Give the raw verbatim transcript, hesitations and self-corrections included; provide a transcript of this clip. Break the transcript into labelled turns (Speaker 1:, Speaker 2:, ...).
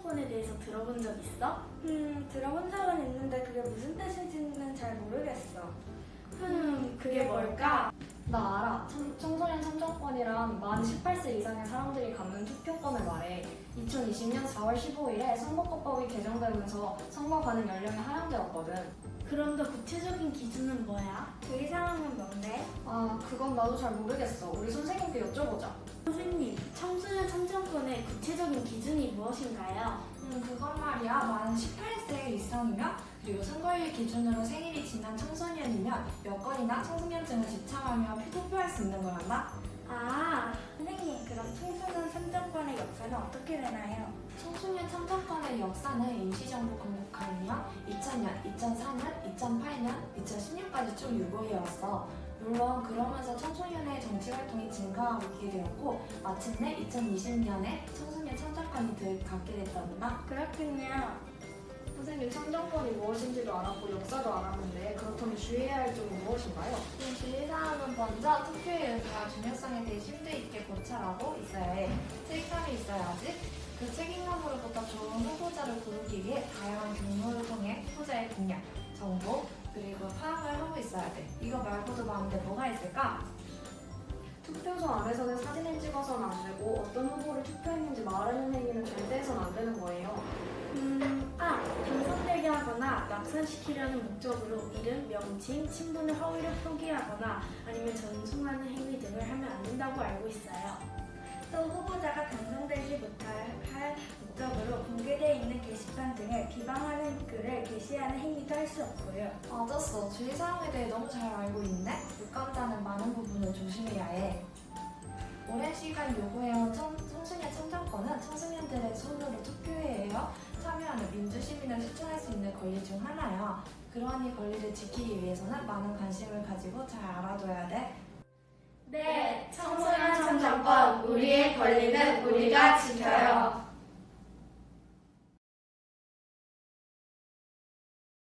Speaker 1: 참정권에 대해서 들어본 적 있어?
Speaker 2: 음, 들어본 적은 있는데 그게 무슨 뜻인지는 잘 모르겠어.
Speaker 1: 흠, 그게 뭘까?
Speaker 3: 나 알아. 참, 청소년 참정권이란 만 열여덟 세 이상의 사람들이 갖는 투표권을 말해. 이천이십 년 사월 십오일에 선거법이 개정되면서 선거 가는 연령이 하향되었거든.
Speaker 1: 그럼 더 구체적인 기준은 뭐야?
Speaker 2: 주의사항은 뭔데?
Speaker 3: 아, 그건 나도 잘 모르겠어. 우리 선생님께 여쭤보자.
Speaker 1: 선생님, 청소년 참정권의 구체적인 기준이 무엇인가요?
Speaker 4: 음, 그건 말이야. 만 열여덟 세 이상이면 그리고 선거일 기준으로 생일이 지난 청소년이면 여권이나 청소년증을 지참하며 투표할 수 있는 거란다.
Speaker 2: 아, 선생님, 그럼 청소년 참정권의 역사는 어떻게 되나요?
Speaker 4: 청소년 참정권의 역사는 임시정부 건국하며 이천 년, 이천사 년, 이천팔 년, 이천십 년까지 쭉 유보해왔어. 물론 그러면서 청소년의 정치활동이 증가하고 있게 되었고 마침내 이천이십 년에 청소년 참정권이 들 갖게 됐단다.
Speaker 2: 그렇군요.
Speaker 3: 선생님, 참정권이 무엇인지도 알았고 역사도 알았는데 그렇다면 주의해야 할 점은 무엇인가요?
Speaker 4: 이 주의사항은 먼저 투표의 의미와 중요성에 대해 심도 있게 고찰하고 있어야 해. 책임감이 있어야지. 그 책임감으로부터 좋은 후보자를 고르기 위해 다양한 경로를 통해 후보자의 공약, 정보, 그리고 파악을 하고 있어야 돼. 이거 말고도 많은데 뭐가 있을까?
Speaker 3: 투표소 안에서는 사진을 찍어서는 안 되고 어떤 후보를 투표했는지 말하는 행위는 절대 해서는 안 되는 거예요.
Speaker 1: 음, 아, 당선되게 하거나 낙선시키려는 목적으로 이름, 명칭, 친분의 허위를 표기하거나 아니면 전송하는 행위 등을 하면 안 된다고 알고 있어요.
Speaker 2: 또 후보자가 당선되지 못할 할 목적으로 공개되어 있는 게시판 등에 비방하는 글을 게시하는 행위도 할 수 없고요.
Speaker 4: 맞았어. 주의사항에 대해 너무 잘 알고 있네. 유권자는 많은 부분을 조심해야 해. 오랜 시간 요구해온 청, 청소년 참정권은 청소년들의 손으로 투표해야 참여하는 민주시민을 실천할 수 있는 권리 중 하나야. 그러한 권리를 지키기 위해서는 많은 관심을 가지고 잘 알아둬야 돼.
Speaker 1: 네, 청소년 참정권, 우리의 권리는 우리가 지켜야